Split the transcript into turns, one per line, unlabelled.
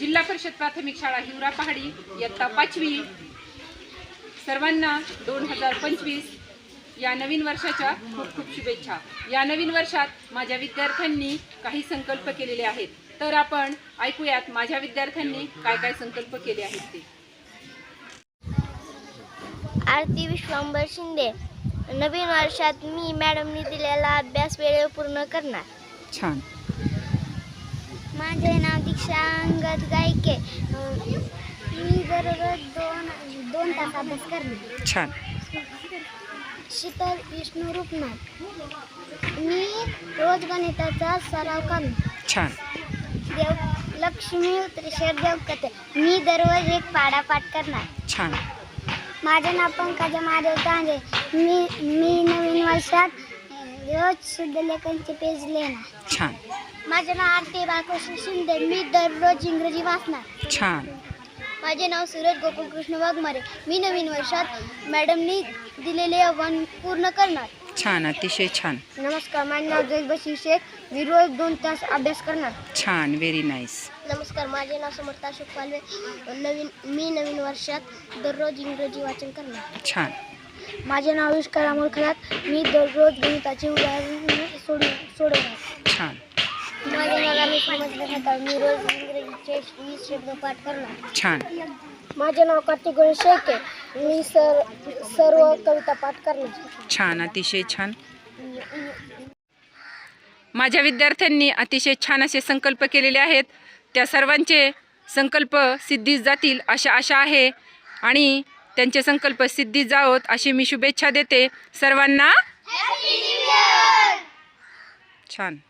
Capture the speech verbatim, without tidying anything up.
जिल्हा परिषद प्राथमिक शाळा हिवरा पहाडी इयत्ता पाचवी, सर्वांना दोन हजार पंचवीस या नवीन वर्षाच्या खूप खूप शुभेच्छा। या नवीन वर्षात माझ्या विद्यार्थ्यांनी काही संकल्प केलेले आहेत, तर आपण ऐकूयात माझ्या विद्यार्थ्यांनी काय काय संकल्प केले आहेत ते।
आरती विश्वंभर शिंदे। नवीन वर्षात मी मॅडमनी दिलेला अभ्यास वेळेवर पूर्ण करणार।
छान।
माझे नाव दीक्षा अंगद गायके। मी दररोज दोन दोन तास अभ्यास करणार।
छान।
शीतल विष्णू रूपनाथ। मी रोज गणिताचा सराव करणार।
छान।
देव लक्ष्मी त्रिशर देवकते। मी दररोज एक पाढा पाठ करणार।
छान।
माझे नाव पंकजा महादेव तांजे। मी मी नवीन वर्षात रोज शुद्ध लेखनचे पेज लिहिणार।
छान।
माझे नाव आरती बाळकृष्ण शिंदे। मी दररोज इंग्रजी वाचणार।
छान।
माझे नाव सूरज गोकुलकृष्ण वाघमारे। मी नवीन वर्षात मॅडमनी दिलेले आव्हान पूर्ण करणार।
छान, अतिशय छान।
नमस्कार, माझे नाव जयबशी शेख। मी रोज दोन तास अभ्यास करणार।
छान, व्हेरी नाईस।
नमस्कार, माझे नाव समर्थ अशोक पालवे। नवीन मी नवीन वर्षात दररोज इंग्रजी वाचन करणार।
छान।
माझे नाव विष्कर अमोल खरात। मी दररोज गणिताचे उदाहरण सोडू सोडवणार।
छान।
माझे नाव रमेश समजले। मी रोज इंग्रजीचे वीस शब्द पाठ करणार।
छान।
माझे नाव कार्तिक गणेश शेळके। मी सर सर्व कविता पाठ करणार।
छान, अतिशय छान। माझ्या विद्यार्थ्यांनी अतिशय छान असे संकल्प केलेले आहेत। त्या सर्वांचे संकल्प सिद्धीस जातील अशा आशा आहे आणि त्यांचे संकल्प सिद्धीस जावोत अशी मी शुभेच्छा देते सर्वांना। छान।